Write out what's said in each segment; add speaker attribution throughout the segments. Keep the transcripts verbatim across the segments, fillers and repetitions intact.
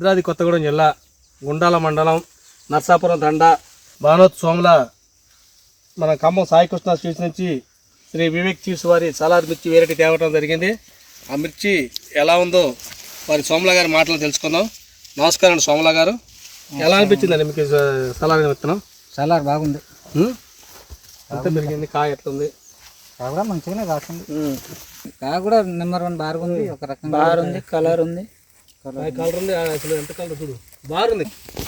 Speaker 1: భద్రాద్రి కొత్తగూడెం జిల్లా గుండాల మండలం నర్సాపురం తండా బానోత్ సోమల మన ఖమ్మం సాయికృష్ణ స్వీట్స్ నుంచి శ్రీ వివేక్ చీఫ్స్ వారి సలార్ మిర్చి వెరైటీ తేవటం జరిగింది. ఆ మిర్చి ఎలా ఉందో వారి సోమల గారి మాటలు తెలుసుకుందాం. నమస్కారం అండి సోమల గారు, ఎలా అనిపించిందండి మీకు సలార్ విత్తనం?
Speaker 2: సలార్ బాగుంది,
Speaker 1: ఎంత పెరిగింది, కాయ ఎట్లుంది?
Speaker 2: కాయ కూడా మంచిగానే కాస్తుంది, కాయ కూడా నెంబర్ వన్ బాగుంది, ఒక రకం బాగుంది, కలర్ ఉంది,
Speaker 1: కలర్ ఉంది, అసలు ఎంత కలర్ చూడు బాగుంది,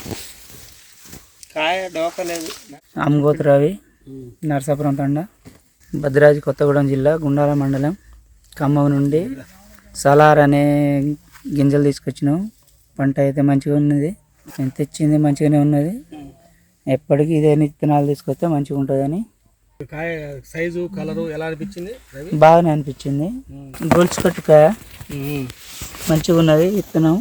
Speaker 1: కాయ డోక లేదు.
Speaker 2: అమ్గోత్ రవి, నర్సాపురం తండ, భద్రాద్రి కొత్తగూడెం జిల్లా గుండాల మండలం, ఖమ్మం నుండి సలార్ అనే గింజలు తీసుకొచ్చినాం. పంట అయితే మంచిగా ఉన్నది, నేను తెచ్చింది మంచిగానే ఉన్నది. ఎప్పటికీ ఇదే విత్తనాలు తీసుకొస్తే మంచిగా ఉంటుందని.
Speaker 1: కాయ సైజు కలరు ఎలా అనిపించింది?
Speaker 2: బాగానే అనిపించింది. గొలుసు కట్టు కాయ మంచిగా ఉన్నది. విత్తనం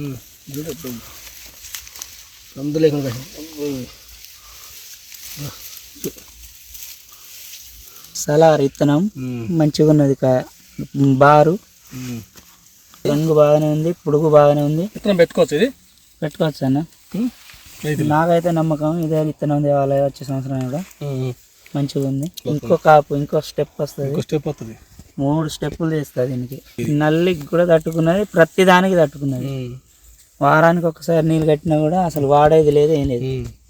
Speaker 2: సలార్ విత్తనం మంచిగా ఉన్నది. కాయ బారు రంగు బాగానే ఉంది, పొడుగు బాగానే ఉంది.
Speaker 1: విత్తనం పెట్టుకోవచ్చు, ఇది
Speaker 2: పెట్టుకోవచ్చు అన్న. నాకైతే నమ్మకం ఇదే విత్తనం తేవాలి వచ్చే సంవత్సరం కూడా మంచిగా ఉంది. ఇంకో కాపు ఇంకో స్టెప్ వస్తుంది,
Speaker 1: స్టెప్ వస్తుంది,
Speaker 2: మూడు స్టెప్పులు చేస్తుంది. దీనికి నల్లికి కూడా తట్టుకున్నది, ప్రతి దానికి తట్టుకున్నది. వారానికి ఒకసారి నీళ్ళు కట్టినా కూడా అసలు వాడేది లేదు, ఏం లేదు.